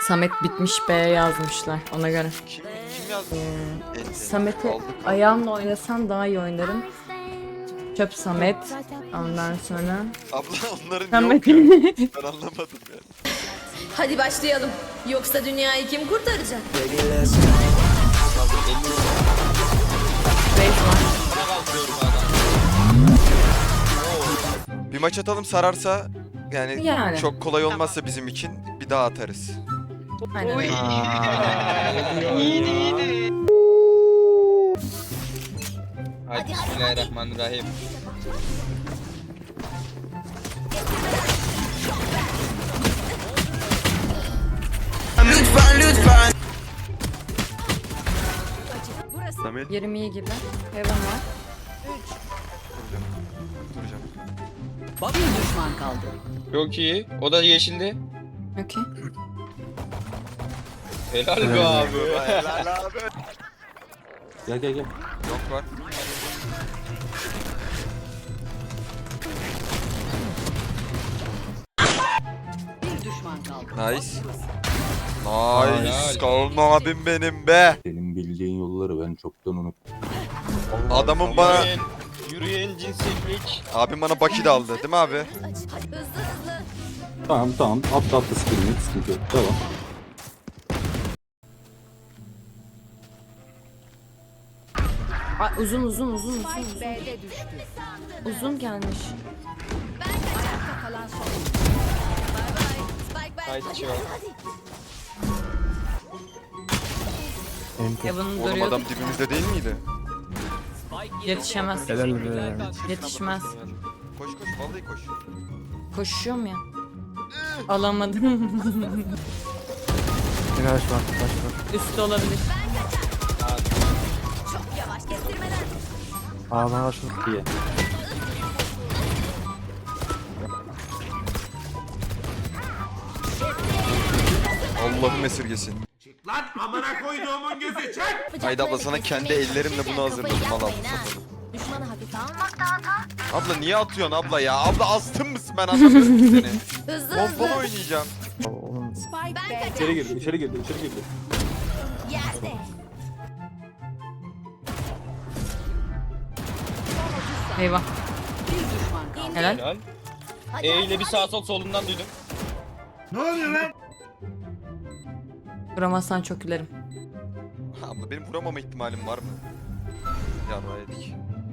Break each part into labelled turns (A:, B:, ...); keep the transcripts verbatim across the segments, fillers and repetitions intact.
A: Samet bitmiş B yazmışlar ona göre.
B: Kim, kim yazdı?
A: Ee, Samet'i ayağımla oynasam daha iyi oynarım. Çöp Samet. Ondan sonra
B: Abla onların
A: Samet.
B: yok ya. Ben anlamadım ya.
C: Hadi başlayalım. Yoksa dünyayı kim kurtaracak?
B: Bir maç atalım, sararsa yani,
A: Yani.
B: çok kolay olmazsa bizim için bir daha atarız.
A: Aynen öyle.
D: İyiydi iyiydi. Hadi bismillahirrahmanirrahim.
E: Lütfen lütfen.
B: Samet.
A: yirmi iyi gibi. Hayvan var.
B: Duracağım.
F: Bir düşman kaldı.
D: Çok iyi. O da yeşildi.
A: Okey.
D: Helal be abi.
B: Helal abi.
G: Gel gel gel.
B: Yok var.
F: Bir düşman kaldı.
B: Nice. Nice. Kalın abim benim be.
G: Senin bildiğin yolları ben çoktan unuttum.
B: Adamın bana,
D: Yürüyen, yürüyen cinsellik.
B: abim bana Baki de aldı değil mi abi?
C: Hızlı hızlı.
G: Tamam tamam. Atla atla skillini. Sıkıntı yok. Devam.
A: Ay, uzun uzun uzun uzun.
F: Spike B'de düştü.
A: Uzun gelmiş.
F: Ayakta kalan son.
C: Bay bay. Spike ver.
D: Haydi çiva.
A: Heaven'ı
B: Oğlum
A: görüyorduk.
B: adam dibimizde değil miydi?
A: Yetişemez. Yetişmez.
B: Koş koş, vallahi koş.
A: Koşuyorum ya. Alamadım. Üstü olabilir.
C: Çok yavaş kestirmeden.
G: İyi.
B: Allah'ım esirgesin.
E: Lan amına koyduğumun gözü çek.
B: Haydi abla, sana kendi ellerimle bunu hazırladım. Al abla, satalım.
C: Düşmanı hafife almak da hata.
B: Abla niye atıyorsun abla ya? Abla astın mısın, ben anlamıyorum ki seni.
C: Hızlı
B: Pompalı
C: hızlı.
B: oynayacağım.
F: Spike
C: Ben
F: B'de.
G: İçeri girdi, içeri girdi, içeri girdi.
C: Yerde.
A: Eyvah.
F: Bir düşman kaldı.
A: Helal.
D: Helal.
C: Hadi,
D: E
C: hadi,
D: ile bir
C: hadi.
D: sağ sol solundan duydum.
E: Ne oluyor lan?
A: Vuramazsan çok gülerim.
B: Abla benim vuramama ihtimalim var mı? Ya yedik.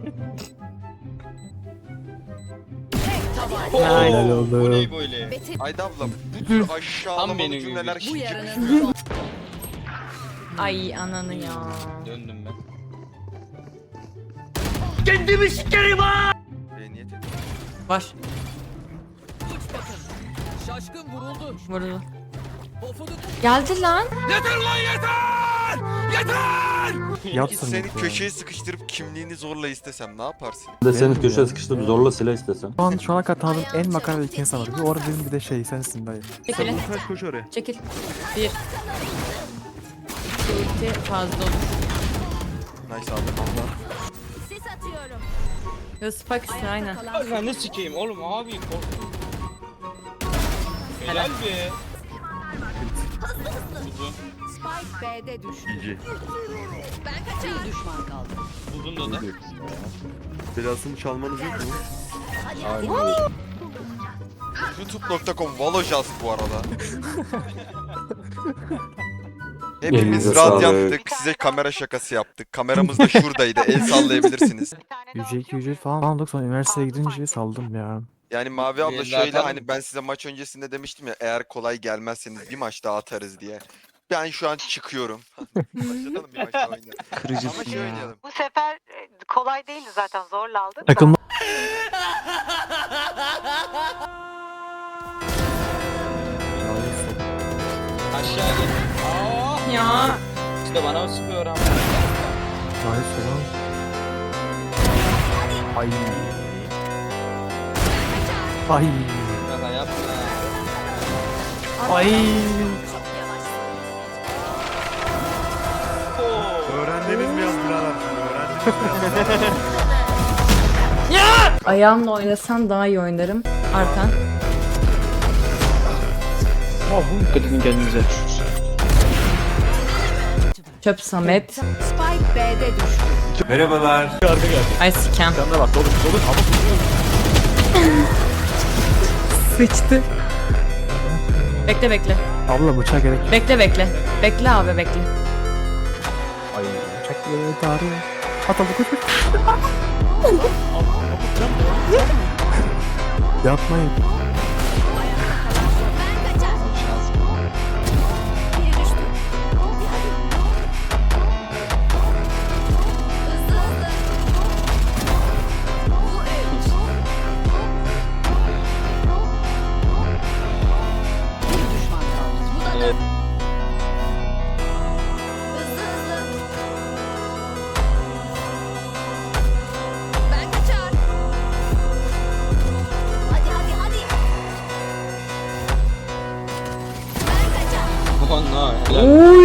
A: Helal
D: Oo, bu ne böyle?
C: Betim.
B: Haydi abla, bu tür
D: Tam
B: aşağılamalı
D: benim
B: cümleler
D: gibi.
F: Bu
B: şık.
F: yarının son.
A: Ay ananı ya.
D: Döndüm ben.
B: Beyniyet et.
A: Var.
F: Şaşkın vuruldu.
A: Vurdu. Geldi lan.
B: Peki seni köşeye sıkıştırıp kimliğini zorla istesem ne yaparsın?
G: Ben de seni köşeye sıkıştırıp zorla silah istesem.
H: Şu an şu ana kadar tanıdığım en makaralı iki insan var. Bir orada bir de şey sensin dayı.
A: Çekilin.
H: Koş oraya.
A: Çekil. Bir. İki fazla olur.
B: Nice abi.
C: Sis atıyorum.
A: Ya spike üstüne aynen.
D: Ay ben ne sikeyim oğlum abi korktum. Helal be. Uzun.
F: Spike B'de düştü.
C: Ben kaçar.
F: Bir düşman kaldı.
D: Uzun da da.
H: Belasını çalmanız yok mu?
C: Hadi hadi.
B: youtube nokta com Valojaz bu arada. Hepimiz
G: Elinize
B: radyanttık. Size kamera şakası yaptık. Kameramız da şuradaydı. El sallayabilirsiniz.
H: Yüce iki yüce falan aldık sonra üniversiteye gidince saldım ya.
B: Yani Mavi abla
D: Bir
B: şöyle,
D: zaten-
B: hani ben size maç öncesinde demiştim ya, eğer kolay gelmezseniz bir maç daha atarız diye. Ben şu an çıkıyorum. Başlatalım bir maç daha oynayalım. Ama şey oynayalım.
I: Bu sefer e, kolay değildi zaten zorla aldık da.
H: Takım
D: Aşağı gel. Aa,
A: Ya.
D: işte bana sıkıyor ama.
H: Hayır falan. Ay. Ay.
D: Şaka yapma.
H: Ay.
C: Çok yavaş.
D: Oo.
H: Öğrendiniz mi yaz birader? Öğrendiniz mi?
A: Ayağımla oynasam daha iyi oynarım. Arkan.
D: Dikkat edin kendinize.
A: Çöp Samet.
F: Spike B'de düştü.
E: Merhabalar.
A: Ay sikem.
H: Sen de bak olur olur ama
A: Sıçtı. Bekle bekle.
H: abla bıçağa gerek yok.
A: Bekle bekle. Bekle abi bekle.
H: Ay bıçak böyle darıyor. At abla koş koş. Yapmayın.
F: Bir düşman kaldı.
C: Ben kaçar. Hadi hadi hadi. Ben kaçar.
D: Aman ha. Helal.
A: Oy.